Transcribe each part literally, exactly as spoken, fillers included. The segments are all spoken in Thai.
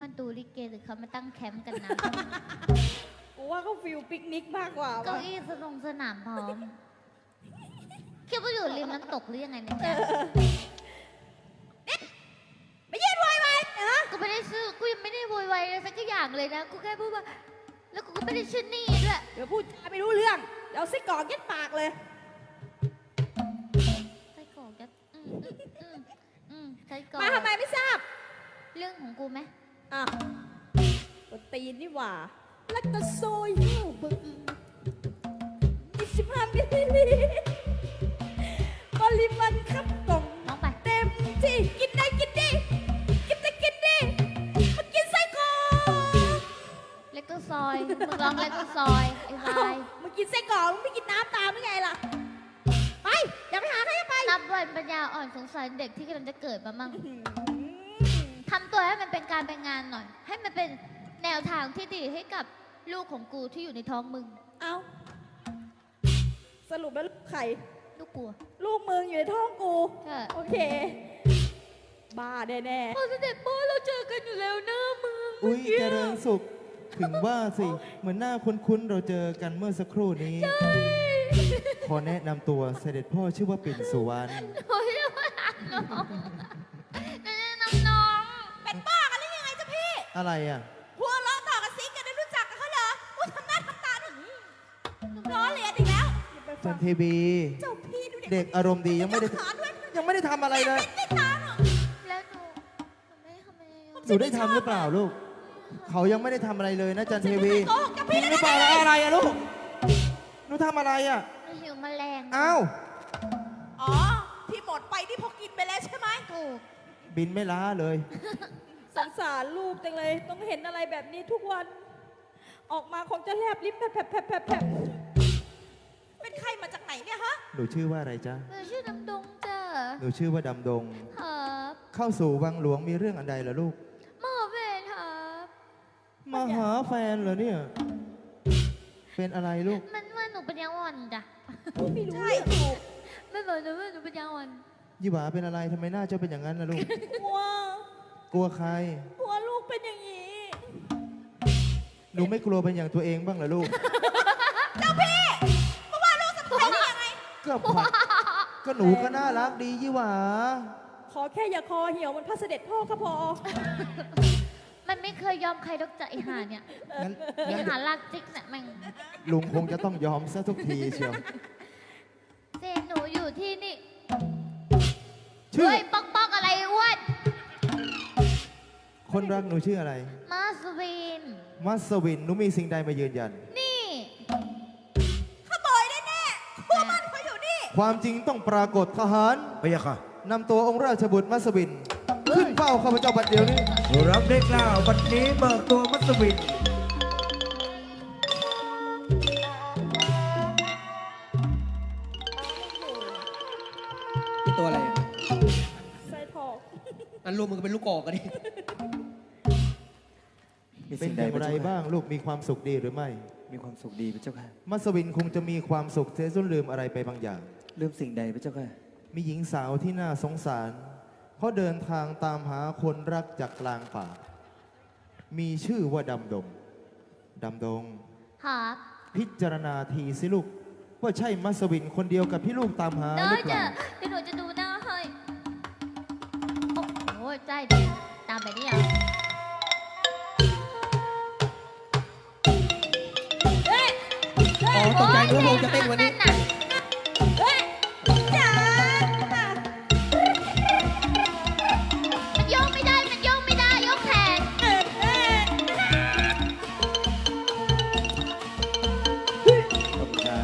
มาดูลิเกหรือเขามาตั้งแคมป์กันนะกูว่าเขาฟิลปิกนิกมากกว่าเก้าว่ะอี้สนงสนามพร้อมคิดว่าอยู่ริมน้ำตกหรือยังไงเนี่ยจ๊ะไม่ยืนไวไวฮะกูไม่ได้ชื่อกูยังไม่ได้โวยวายอะไรสักอย่างเลยนะกูแค่พูดว่าแล้วกูก็ไม่ได้ชื่อนี่ด้วยเดี๋ยวพูดจาไม่รู้เรื่อง เดี๋ยวซิกกอกยัดปากเลยใส่กรอกจะอืมอืมอืมใส่กรอกมาทำไมไม่ทราบเรื่องของกูไหมอ่ะกดตีนนี่หว่า แล้วก็โซยเหี้ยวบึ้มยี่สิบห้ามิลลิลิตรปริมาณครับกล่องน้องไปเต็มที่กินได้กินดีกินได้กินดีมากินไส้กรอกเล็กตัวซอยมึงร้องเล็กตัวซอยไอ้วายมึงกินไส้กรอกมึงไม่กินน้ำตามหรือไงล่ะ ไป อย่าไปหาใครไปนับวันปัญญาอ่อนสงสารเด็กที่กำลังจะเกิดมามั่งอืมทำตัวให้มันเป็นการเป็นงานหน่อย ให้มันเป็นแนวทางที่ดีให้กับลูกของกูที่อยู่ในท้องมึงเอาสรุปแล้วลูกใครลูกกูอะลูกมึงอยู่ในท้องกูใช่โอเค บ้าแน่พอเสด็จพ่อเราเจอกันอยู่แล้วนะมึงอุ้ยเจริญสุข ถึงว่าสิ เหมือนหน้าคุ้นๆ เราเจอกันเมื่อสักครู่นี้ ขอแนะนำตัวเสด็จพ่อชื่อว่าปิ่นสุวรรณโอ้ยว่าน้องน้องน้องๆ เป็นบ้ากันหรือยังไงจ๊ะพี่อะไรอ่ะหัวล้อต่อกับซิงกันได้รู้จักกันเขาเหรอว่าทำหน้าทำตาหนึ่งล้อเลียนอีกแล้วจันเทวีเจ้าพี่ดูเด็กอารมณ์ดียังไม่ได้ขาด้วยยังไม่ได้ทำอะไรเลยไม่ตาหรอกแล้วหนูหนูไม่ได้ทำอะไรเลยหนูได้ทำหรือเปล่าลูก เขายังไม่ได้ทำอะไรเลยนะจันเทวีโกหกกับจริพี่งหแล้รือวเปล่าแล้วอะไรอะลูก หนูทำอะไรอ่ะหนูหิวแมลงอ้าวอ๋อ ที่หมดไปที่พอกินไปแล้วใช่ไหมถูกบินไม่ล้าเลยสงสารลูกจังเลย ต้องเห็นอะไรแบบนี้ทุกวัน ออกมาคงจะแลบลิ้นแผลบแผลบแผลบแผลบเป็นใครมาจากไหนเนี่ยฮะหนูชื่อว่าอะไรจ๊ะหนูชื่อน้ำดงจ้ะหนูชื่อว่าดำดงครับเข้าสู่วังหลวงมีเรื่องอันใดเหรอลูกหมอเวรครับมาหาแฟนเหรอเนี่ย เป็นอะไรลูกมันว่าหนูเป็นยังอ่อนจ้ะไม่รู้ใช่ถูกไม่บอกหนูว่าหนูเป็นยังอ่อนยี่หวาเป็นอะไรทำไมหน้าเจ้าเป็นอย่างนั้นนะลูกกลัวกลัวใครกลัวลูกเป็นอย่างนี้หนูไม่กลัวเป็นอย่างตัวเองบ้างเหรอลูกเพราะว่าลูกสะพ้ายได้ยังไงก็ผักก็หนูก็น่ารักดียี่หวาขอแค่อย่าคอเหี่ยวมันพระเสด็จพ่อก็พอมันไม่เคยยอมใครดอกจากไอหาเนี่ยงั้นไองั้นหาลากจิกเนี่ยแม่งลุงคงจะต้องยอมซะทุกทีเชียวเซนหนูอยู่ที่นี่ชื่อเฮ้ยป๊อกป๊อกอะไรอ้วนคนรักหนูชื่ออะไรมาสวินมัสวิน หนูมีสิ่งใดมายืนยันนี่ขโมยแน่ๆพวกมันเขาอยู่นี่ความจริงต้องปรากฏทหารพะยะค่ะนำตัวองค์ราชบุตรมัสวิน ขึ้นเฝ้าข้าพเจ้าบัดเดียวนี้รับได้กล่าววันนี้เบิกตัวมัสวินนี่ตัวอะไรอะใส่ทองอันรวมมึงเป็นลูกกอกกันดิมีเป็นสิ่งอใดย่างพระไรเจ้าค่ะบ้างลูกมีความสุขดีหรือไม่มีความสุขดีพระเจ้าค่ะมัสวินคงจะมีความสุขเสียจนลืมอะไรไปบางอย่างลืมสิ่งใดพระเจ้าค่ะมีหญิงสาวที่น่าสงสาร เพราะเดินทางตามหาคนรักจากกลางป่า มีชื่อว่าดำดง ดำดงครับพิจารณาทีสิลูก ว่าใช่มัสวินคนเดียวกับที่ลูกตามหาหได้รือเปจ้ะล่าเดี๋ยวหนูจะดูหน้าให้ โอ้โหใจดีตามแบบนี้เหรอเฮ้ยอ๋อตกใจนึกว่าโมจะเต้นวันนี้น่ะเฮ้ยจ๋ามันโยกไม่ได้ มันโยกไม่ได้ ยกแขนเอ็ดเอ็ดขอบคุณครับ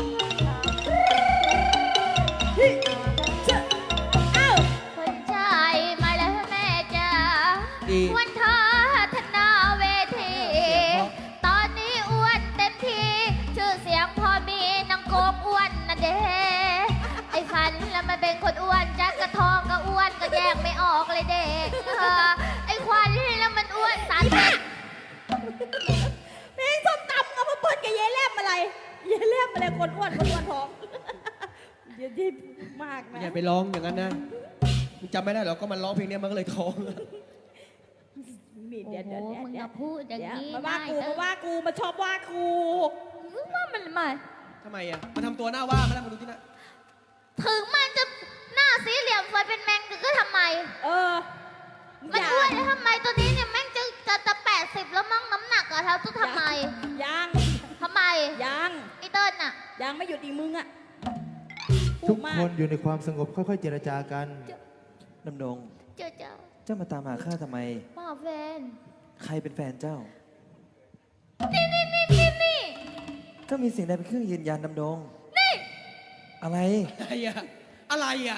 เอ้าคนชายมาแล้วแม่จ้าดีวันทาธนาเวที ตอนนี้อ้วนเต็มที ชื่อเสียงพอมีนางโกงอ้วนนะเด้ไอ้ฟันแล้วมันเป็นคนอ้วนจักกระทองก็อ้วนก็แยกไม่ออกเลยเด็กเออไอ้ควันแล้วมันอ้วนสารพัดเพลงส้มตำเอามาเปิดกับเยายแลมอะไรเยายแลมอะไรคนอ้วนคนอ้วนท้องเดี๋ยวที่มากนะอย่าไปร้องอย่างนั้นนะมึงจำไม่ได้หรอกก็มันร้องเพลงเนี้ยมันก็เลยท้องหมิ่นเดี๋ยวเดี๋ยวโอ้เดี๋ยวมึงเดี๋อยวย่าพูดอย่างเดี๋ยวนี้มาว่ากูได้มาว่ากูมาชอบว่ากูว่ามันมาทำไมอ่ะ มันทำตัวหน้าว่ามาแล้วมาดูที่หน้าถึงมันจะหน้าสีเหลี่ยมสวยเป็นแมงก็ทำไมเออมันอย่าอ้วนแล้วทำไมตัวนี้เนี่ยแม่งจะจะจะแปดสิบแล้วมั้งน้ำหนักอะเท้าจะทำไมยังทำไมยังไอเติ้ลน่ะยังไม่หยุดอีกมึงอะพูทุดกมากคนอยู่ในความสงบค่อยๆ เจรจากันดำดงเจอเจอเจ้ามาตามหาข้าทำไมมาแฟนใครเป็นแฟนเจ้านี่นี่นี่นี่นี่เจ้ามีสิ่งใดเป็นเครื่องยืนยันดำดงนี่อะไรอะไรอ่ะ อะไรอ่ะ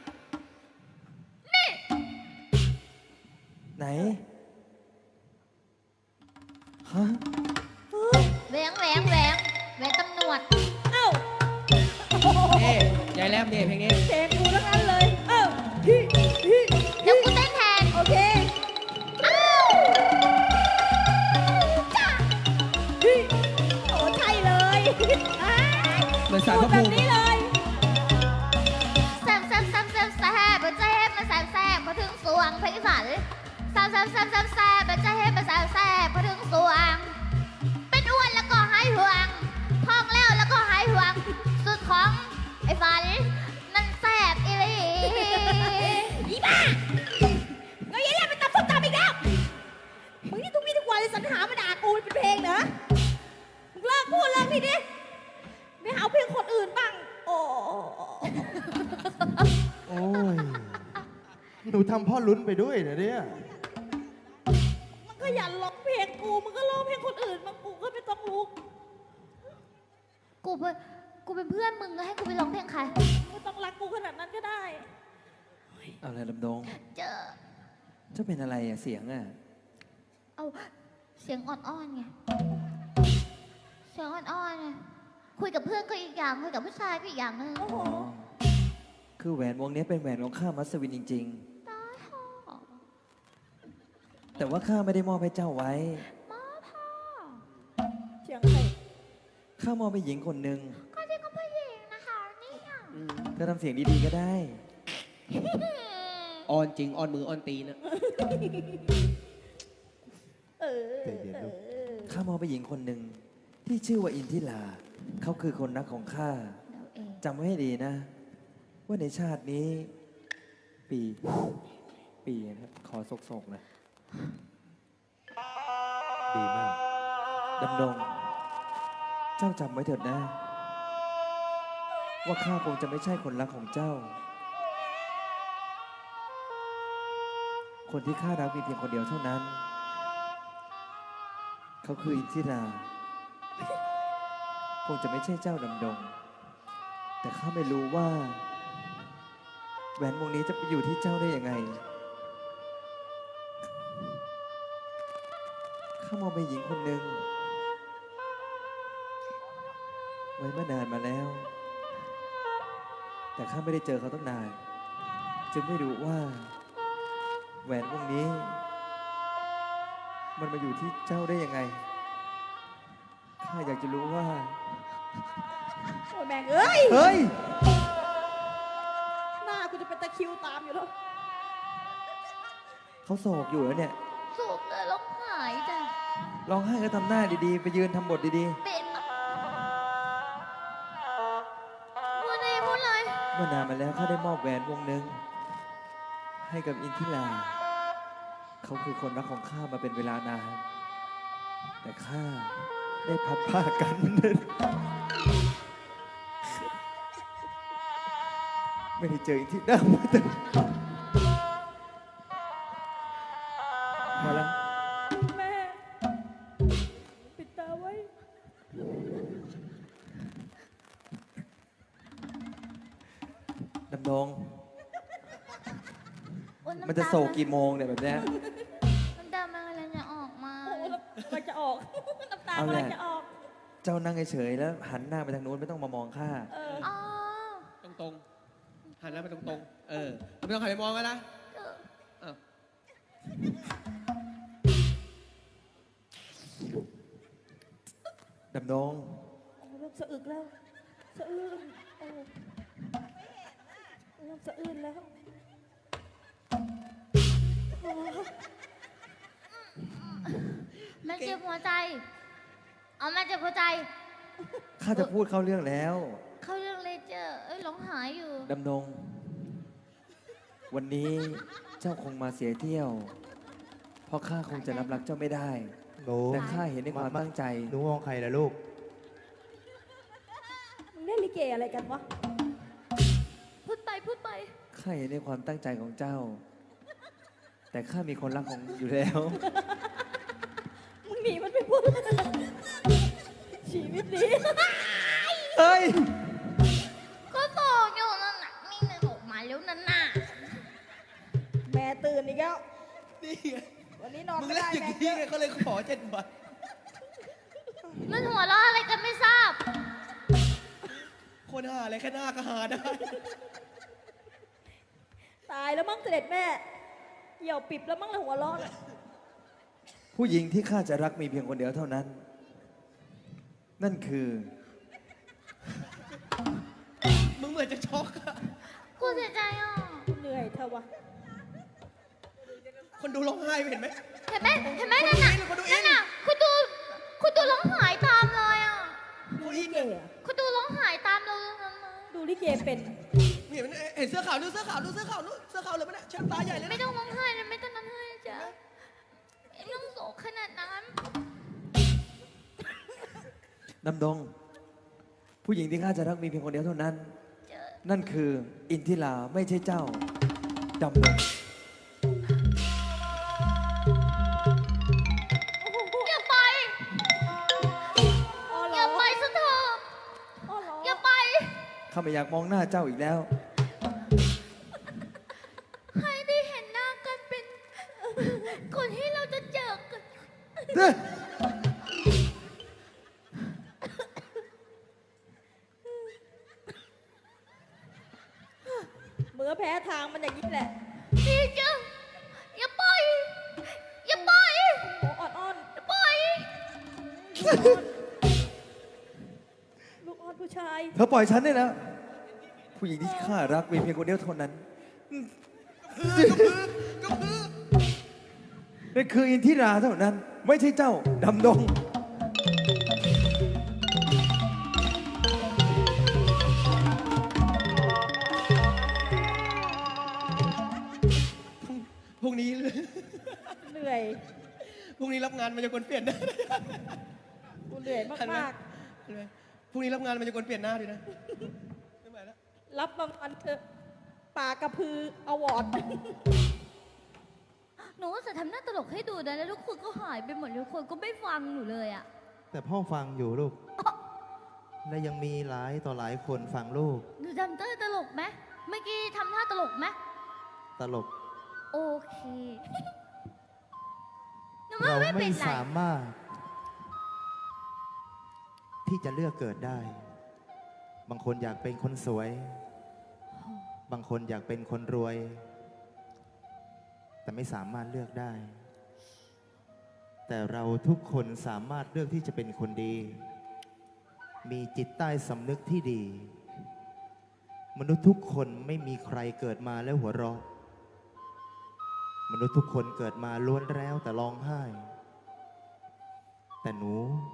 ไหน ฮะแหวงแหวงแหวงแหวงตำรวจเอ้าเอ๊ยายแลมเนี่ยเพลงนี้เพลงกูทั้งนั้นเลย เอ้าฮิฮิเดี๋ยวกูเต้นแทนโอเคอ้าวฮิโอ้ใช่เลยอ้ายเหมือนสารพูพดระแบภูบมินี้เลยแซมแซมแซมแซมแซมมันจะเฮ็ดมาแซมแซมมาถึงสวงเพลงอีสานแซมแซมแซมแซมแซมมันจะเฮ็ดมาแซมแซมมาถึงสวง เป็นอ้วนแล้วก็หายห่วงท้องแล้วแล้วก็หายห่วง สุดของไอ้ฝันนั่นแซบอีหลีอีบ้าเงยเล่นไปตำส้มตำอีกแล้ว มึงนี่ทุกวี่ทุกวันเลยสรรหามาด่ากูเป็นเพลงเหรอ มึงเลิกพูดเลิกทีดิไม่เอาเพลงคนอื่นบ้าง โอ้โอ้ย หนูทำพ่อลุ้นไปด้วยนะเนี่ยมันก็อย่าร้องเพลงกู มึงก็ร้องเพลงคนอื่นบางกูก็ไม่ต้องลุกกูเป็นกูเป็นเพื่อนมึงก็ให้กูไปร้องเพลงใครไม่ต้องรักกูขนาดนั้นก็ได้เอาอะไรดำดงเจอเจ้าเป็นอะไรอะเสียงอะเอาเสียงอ่อนๆไง เสียงอ่อนๆไง คุยกับเพื่อนก็อีกอย่าง คุยกับผู้ชายก็อีกอย่างหนึงโอ้โหอ๋อ คือแหวนวงนี้เป็นแหวนของข้ามัสวินจริงตายพ่อๆ แต่ว่าข้าไม่ได้มอบให้เจ้าไว้มาพ่อเสียงใครข้ามอบให้หญิงคนหนึ่งก็ที่ก็ผู้หญิงนะคะเนี่ยเธอทำเสียงดีๆก็ได้ออนจริง ออนมือ ออนตีนอะเออใจเย็นลูกเออข้ามอบให้หญิงคนหนึ่งที่ชื่อว่าอินทิลา เขาคือคนรักของข้าเราเองจำไว้ให้ดีนะ ว่าในชาตินี้ ปี ปีนะครับขอสกๆนะดีมากดำดง เจ้าจำไว้เถิดนะ ว่าข้าคงจะไม่ใช่คนรักของเจ้า คนที่ข้ารักมีเพียงคนเดียวเท่านั้น เขาคืออินทิรา คงจะไม่ใช่เจ้าดำดง แต่ข้าไม่รู้ว่า แหวนวงนี้จะไปอยู่ที่เจ้าได้ยังไง ข้ามองไปหญิงคนหนึ่งไว้เมื่อนานมาแล้ว แต่ข้าไม่ได้เจอเขาตั้งนาน จึงไม่รู้ว่า แหวนวงนี้ มันมาอยู่ที่เจ้าได้ยังไง ข้าอยากจะรู้ว่าโอ้ยแม่งเอ้ยเฮ้ยหน้ากูจะเป็นตะคริวตามอยู่แล้วเขาโศกอยู่แล้วเนี่ยสูบเลยร้องหายจ้ะร้องไห้ก็ทำหน้าดีๆ ไปยืนทำบทดีเป็นพูดเลยพูดเลยๆ เมื่อนานมาแล้วข้าได้มอบแหวนวงหนึ่งให้กับอินทิรา เขาคือคนรักของข้ามาเป็นเวลานาน แต่ข้าได้พัดผ้ากัน ไม่ได้เจออินทิรามาแต่มาแล้วแม่ ปิดตาไว้ดำดงโอ๊ยำตามันจะโศกกี่โมงเนี่ยแบบเนี้ยน้ำตามันอะไรจะออกมาโอ้แล้วมันจะออก น้ำตาเอากำแหลัละงจะออกเจ้านั่งเฉยๆแล้วหันหน้าไปทางนู้นไม่ต้องมามองข้าเอออ๋อตรงตรงๆหันหน้าไปตรงตรงๆเออไม่ต้องหันไปมองกันนะเอออ้าวดำดงโอ้เริ่มสะอึกแล้ว สะอื้นโอ้เริ่มสะอื้นแล้วโอ้มันเจ็บหัวใจ เอามันเจ็บหัวใจข้าจะพูดเข้าเรื่องแล้วเขาเรื่องเลเจอร์เอ้ยร้องหายอยู่ดำดง วันนี้เจ้าคงมาเสียเที่ยว เพราะข้าคงจะรับรักเจ้าไม่ได้หนูแต่ข้าเห็นในความตั้งใจหนูมองใครล่ะลูกมึงเล่นลิเกอะไรกันวะพูดไปพูดไปข้าเห็นในความตั้งใจของเจ้า แต่ข้ามีคนรักของอยู่แล้วมึงหนีมันไปพูดชีวิตนี้เฮ้ยก็โตอยู่นั่นน่ะนี่นึกออกมาแล้วนั่นน่ะแม่ตื่นอีกแล้วนี่ไงวันนี้นอนมึงไม่เล่นได้อย่างแม่นี้ไงเขาเลยขอเจ็ดวันมันหัวเราะอะไรกันไม่ทราบคนหาอะไรแค่หน้าก็หาได้ตายแล้วมั้งเสด็จแม่เหี่ยวปิบแล้วมั้งละหัวเร้อนผู้หญิงที่ข้าจะรักมีเพียงคนเดียวเท่านั้น นั่นคือมึงเหมือนจะช็อกอะกูเสียใจอ่ะเหนื่อยเธอวะคนดูร้องไห้เห็นไหมเห็นไหมเห็นไหมนั่นน่ะคนดูอินนั่นน่ะคุณดูคุณดูร้องหายตามเลยอ่ะดูลิเกอะคุณดูร้องหายตามเราเลยนะดูลิเกเป็นเห็นไหมเห็นเสื้อขาวดูเสื้อขาวดูเสื้อขาวดูเสื้อขาวเลยมั้ยเนี่ยเช็ดตาใหญ่เลยไม่นะต้องร้องไห้นะไม่ต้องร้องไห้จ้ะไม่ต้องโศกขนาดนั้นดำดง ผู้หญิงที่ข้าจะรักมีเพียงคนเดียวเท่านั้นเจอนั่นคืออินทิราไม่ใช่เจ้า ดำดงอย่าไปอ้อเหรอย่าอไปซะเถอะอ้อเหรออย่าไปข้าไม่อยากมองหน้าเจ้าอีกแล้วให้ได้เห็นหน้ากันเป็นคนที่เราจะเจอกันเมื่อแพ้ทางมันอย่างนี้แหละพี่จ้ะอย่าไป อย่าไปโอ้อ่อนอ้อนอย่าไปลูกอ้อนผู้ชายเธอปล่อยฉันได้แล้ว ผู้หญิงที่ข้ารักมีเพียงคนเดียวเท่านั้นก็คือนั่นคืออินทิราเท่านั้น ไม่ใช่เจ้า ดำดงพรุ่งนี้เหนื่อยพรุ่งนี้รับงานมันจะคนเปลี่ยนหน้ากูเหนื่อยมากเห็นไหมพรุ่งนี้รับงานมันจะคนเปลี่ยนหน้าดีนะไม่ไหวแล้วๆ รับบางวันเถอะปากกระพืออวอร์ดหนูว่าจะทำหน้าตลกให้ดูนะแล้วทุกคนก็หายไปหมดทุกคนก็ไม่ฟังหนูเลยอ่ะแต่พ่อฟังอยู่ลูก และยังมีหลายต่อหลายคนฟังลูกหนูทำเต้ยตลกไหมเมื่อกี้ทำท่าตลกไหมตลกโอเคหนูว่าเราไม่ไม่เป็นไรสามารถ ที่จะเลือกเกิดได้ บางคนอยากเป็นคนสวย บางคนอยากเป็นคนรวย แต่ไม่สามารถเลือกได้ แต่เราทุกคนสามารถเลือกที่จะเป็นคนดี มีจิตใต้สำนึกที่ดี มนุษย์ทุกคนไม่มีใครเกิดมาแล้วหัวเราะ มนุษย์ทุกคนเกิดมาล้วนแล้วแต่ร้องไห้ แต่หนู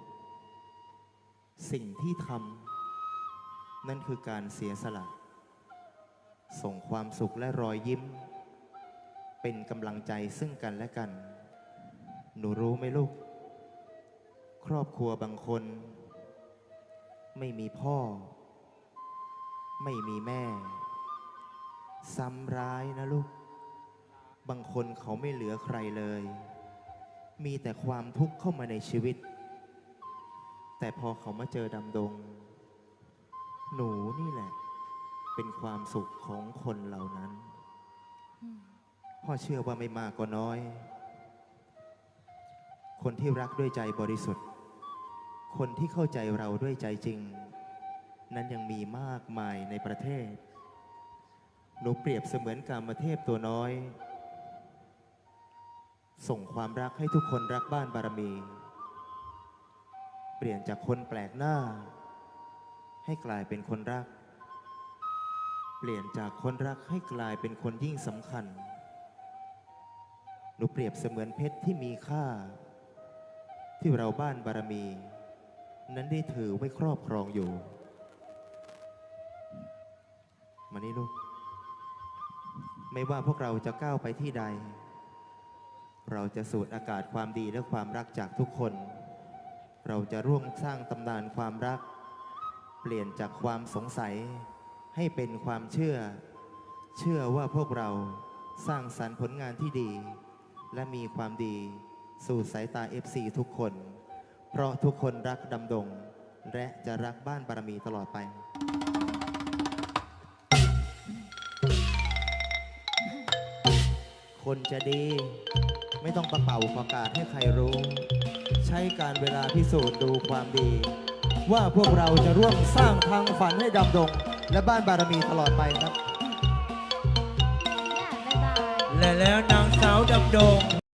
สิ่งที่ทำนั่นคือการเสียสละ ส่งความสุขและรอยยิ้ม เป็นกำลังใจซึ่งกันและกัน หนูรู้ไหมลูก ครอบครัวบางคน ไม่มีพ่อ ไม่มีแม่ ซ้ำร้ายนะลูก บางคนเขาไม่เหลือใครเลย มีแต่ความทุกข์เข้ามาในชีวิต แต่พอเขามาเจอดำดง หนูนี่แหละ เป็นความสุขของคนเหล่านั้น พ่อเชื่อว่าไม่มากก็น้อย คนที่รักด้วยใจบริสุทธิ์ คนที่เข้าใจเราด้วยใจจริง นั้นยังมีมากมายในประเทศ หนูเปรียบเสมือนกามเทพตัวน้อย ส่งความรักให้ทุกคนรักบ้านบารมี เปลี่ยนจากคนแปลกหน้า ให้กลายเป็นคนรัก เปลี่ยนจากคนรักให้กลายเป็นคนยิ่งสำคัญ หนูเปรียบเสมือนเพชรที่มีค่าที่เราบ้านบารมี นั้นได้ถือไว้ครอบครองอยู่ มานี่ลูก ไม่ว่าพวกเราจะก้าวไปที่ใด เราจะสูดอากาศความดีและความรักจากทุกคน เราจะร่วมสร้างตำนานความรัก เปลี่ยนจากความสงสัยให้เป็นความเชื่อ เชื่อว่าพวกเราสร้างสรรค์ผลงานที่ดี และมีความดีสู่สายตา เอฟ ซี ทุกคน เพราะทุกคนรักดำดง และจะรักบ้านบารมีตลอดไป คนจะดีไม่ต้องประเป่าประกาศให้ใครรู้ ใช้การเวลาพิสูจน์ดูความดี ว่าพวกเราจะร่วมสร้างทางฝันให้ดำดง และบ้านบารมีตลอดไปครับย่าบ๊ายบายและแล้วนางสาวดำดง